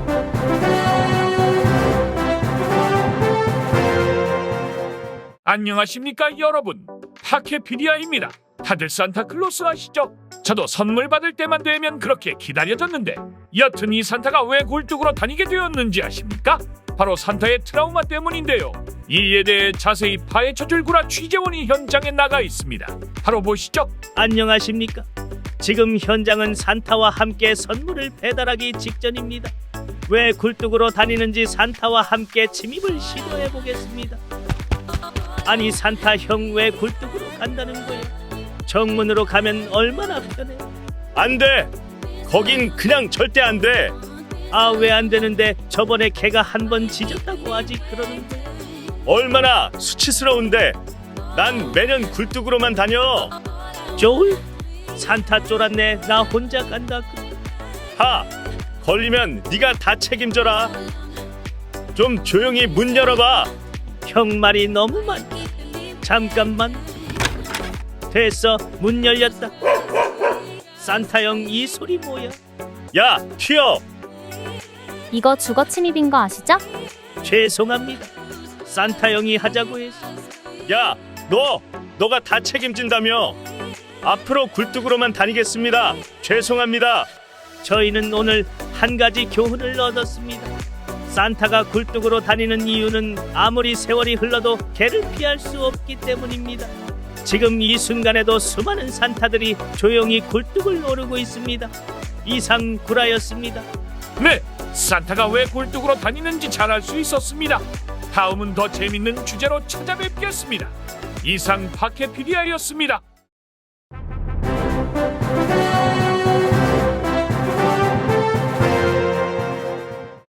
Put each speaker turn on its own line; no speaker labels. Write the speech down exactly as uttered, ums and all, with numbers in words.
안녕하십니까 여러분, 파케피디아입니다. 다들 산타클로스 아시죠? 저도 선물 받을 때만 되면 그렇게 기다려졌는데 여튼 이 산타가 왜 굴뚝으로 다니게 되었는지 아십니까? 바로 산타의 트라우마 때문인데요. 이에 대해 자세히 파헤쳐줄 구라 취재원이 현장에 나가 있습니다. 바로 보시죠.
안녕하십니까? 지금 현장은 산타와 함께 선물을 배달하기 직전입니다. 왜 굴뚝으로 다니는지 산타와 함께 침입을 시도해 보겠습니다. 아니 산타 형 왜 굴뚝으로 간다는 거예요? 정문으로 가면 얼마나 편해?
안 돼. 거긴 그냥 절대 안 돼.
아 왜 안 되는데 저번에 걔가 한 번 지졌다고 아직 그러는데.
얼마나 수치스러운데. 난 매년 굴뚝으로만 다녀.
조울? 산타 쫄았네. 나 혼자 간다.
하. 걸리면 네가 다 책임져라. 좀 조용히 문 열어봐.
형 말이 너무 많아. 잠깐만. 됐어. 문 열렸다. 산타 형 이 소리 뭐야?
야, 튀어.
이거 주거 침입인 거 아시죠?
죄송합니다. 산타 형이 하자고 했어.
야, 너. 너가 다 책임진다며. 앞으로 굴뚝으로만 다니겠습니다. 죄송합니다.
저희는 오늘 한 가지 교훈을 얻었습니다. 산타가 굴뚝으로 다니는 이유는 아무리 세월이 흘러도 걔를 피할 수 없기 때문입니다. 지금 이 순간에도 수많은 산타들이 조용히 굴뚝을 오르고 있습니다. 이상 구라였습니다.
네, 산타가 왜 굴뚝으로 다니는지 잘 알 수 있었습니다. 다음은 더 재밌는 주제로 찾아뵙겠습니다. 이상 파케피디아였습니다.